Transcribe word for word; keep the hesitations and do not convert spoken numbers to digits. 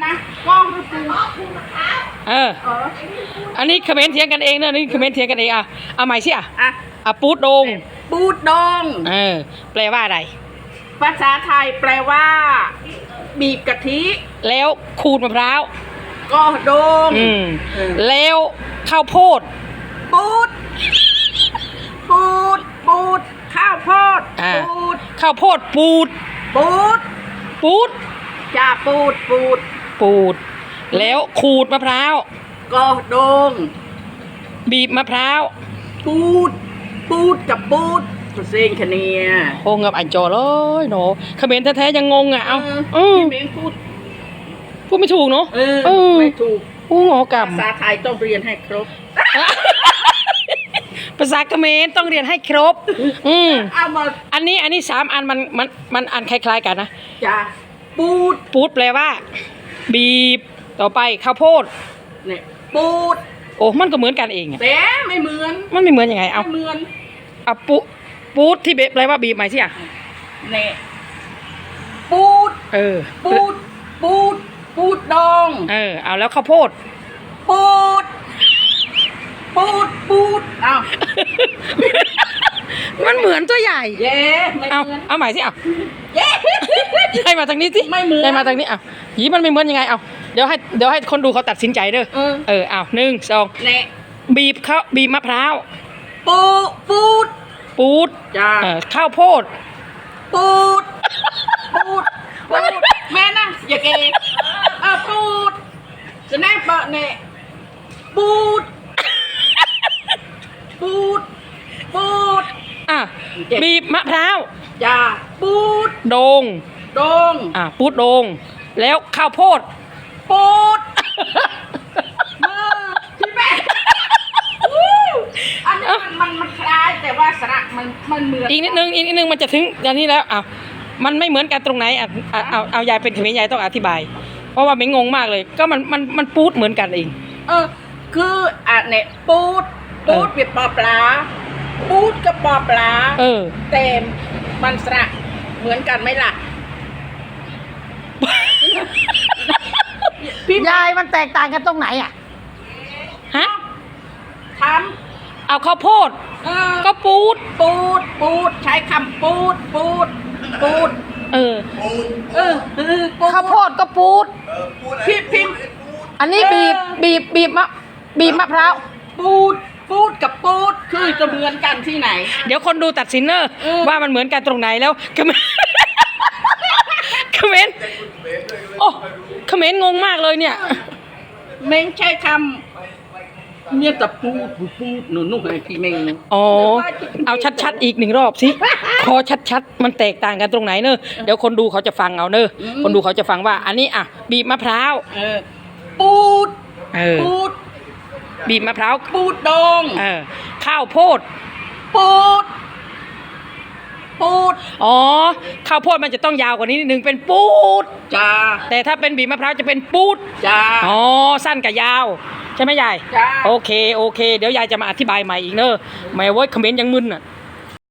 นะว่องหรือปูเอออันนี้คอมเมนต์เถียงกันเองเนอะนี่คอมเมนต์เถียงกันเองอ่ะเอาใหม่สิอ่ะอ่ะอ่ะปูดโดงปูดดองเออแปลว่าอะไรภาษาไทยแปลว่าบีบกะทิแล้วขูดมะพร้าวก็โดงอืมแล้วข้าวโพดปูดปูดปูดข้าวโพดปูดข้าวโพดปูดปูดปูดจ่าปูดปูดปูดแล้วขูดมะพร้าวก็โดงบีบมะพร้าวปูดปูดกับปูดเซ็งคะเนียโอ้งับอันจอเลยเนาะเขมรแท้ๆยังงงอ่ะเอ้าเออพูดพูดไม่ถูกเนาะเออไม่ถูกโอ้งอกรรมภาษาไทยต้องเรียนให้ครบภาษาเขมรต้องเรียนให้ครบอืมอันนี้อันนี้สามอันมันมันมันอันคล้ายๆกันนะจ้าปูดปูดแปลว่าบีบต่อไปข้าวโพดเนี่ยปูดโอ้มันก็เหมือนกันเองแต่ไม่เหมือนมันไม่เหมือนยังไงเอาไม่เหมือนเอาปูปูดที่เบแปลว่าบีบไหมสิอ่ะเนี่ยปูดเออปูดปูดปูดดองเออเอาแล้วข้าวโพดปูดปูดปูดเอามันเหมือนตัวใหญ่เย้เอาเอาใหม่สิเอาเย้ให้มาทางนี้สิไม่เหมือนให้มาทางนี้เอาหีมันไม่เหมือนยังไงเอาเดี๋ยวให้เดี๋ยวให้คนดูเขาตัดสินใจเด้อเออเอาหนึ่งสองบีบข้าวบีบมะพร้าวปูปูดปูดจ้าข้าวโพดปูดปูดปูดแม่นะอย่าเกย์อ่ะปูดจะแน่ปะเนี่ยปูดปูดปูดอ่ะบีบมะพร้าวจ้าปูดโดงโดงอ่ะปูดโดงแล้วข้าวโพดปูดมือพี่แม่อันนี้มันมันมันคล้ายแต่ว่าสระมันมันเหมือนอีกนิดนึงอีกนิดนึงมันจะถึงอย่างนี้แล้วอ้าวมันไม่เหมือนกันตรงไหนอ่ะเอาเอายายเป็นเขมรยายต้องอธิบายเพราะว่าไม่งงมากเลยก็มันมันมันปูดเหมือนกันเองเออคืออ่ะเนี่ยปูดปูดเป็นปอปลาปูดกับปอปลาเออแต่มันสระเหมือนกันไหมล่ะพี่ยายมันแตกต่างกันตรงไหนอ่ะฮะทำเอาข้าวโพดก็ปูดปูดปูดใช้คำปูดปูดปูดเออเออข้าวโพดก็ปูดพี่พิมอันนี้บีบบีบบีบมะบีบมะพร้าวปูดปูดกับปูดคือจะเหมือนกันที่ไหนเดี๋ยวคนดูตัดสินเนอะว่ามันเหมือนกันตรงไหนแล้วคอมเมนต์คอมเมนต์โอ้คอมเมนต์งงมากเลยเนี่ยเม้งใช้คำเนี่ยแต่ปูดปูดหนูนุ่งไอ้พี่เม้งอ๋อเอาชัดๆอีกหนึ่งรอบสิขอชัดๆมันแตกต่างกันตรงไหนเนอะเดี๋ยวคนดูเขาจะฟังเอาเนอะคนดูเขาจะฟังว่าอันนี้อ่ะบีบมะพร้าวปูดปูดบีบมะพร้าวปูดดองเออข้าวโพดปูดปูดอ๋อข้าวโพดมันจะต้องยาวกว่านี้นิดนึงเป็นปูดจ้าแต่ถ้าเป็นบีบมะพร้าวจะเป็นปูดจ้าอ๋อสั้นกับยาวใช่ไหมยายจ้าโอเคโอเคเดี๋ยวยายจะมาอธิบายใหม่อีกเนอะแม่ว่าคอมเมนต์ยังมึนอ่ะ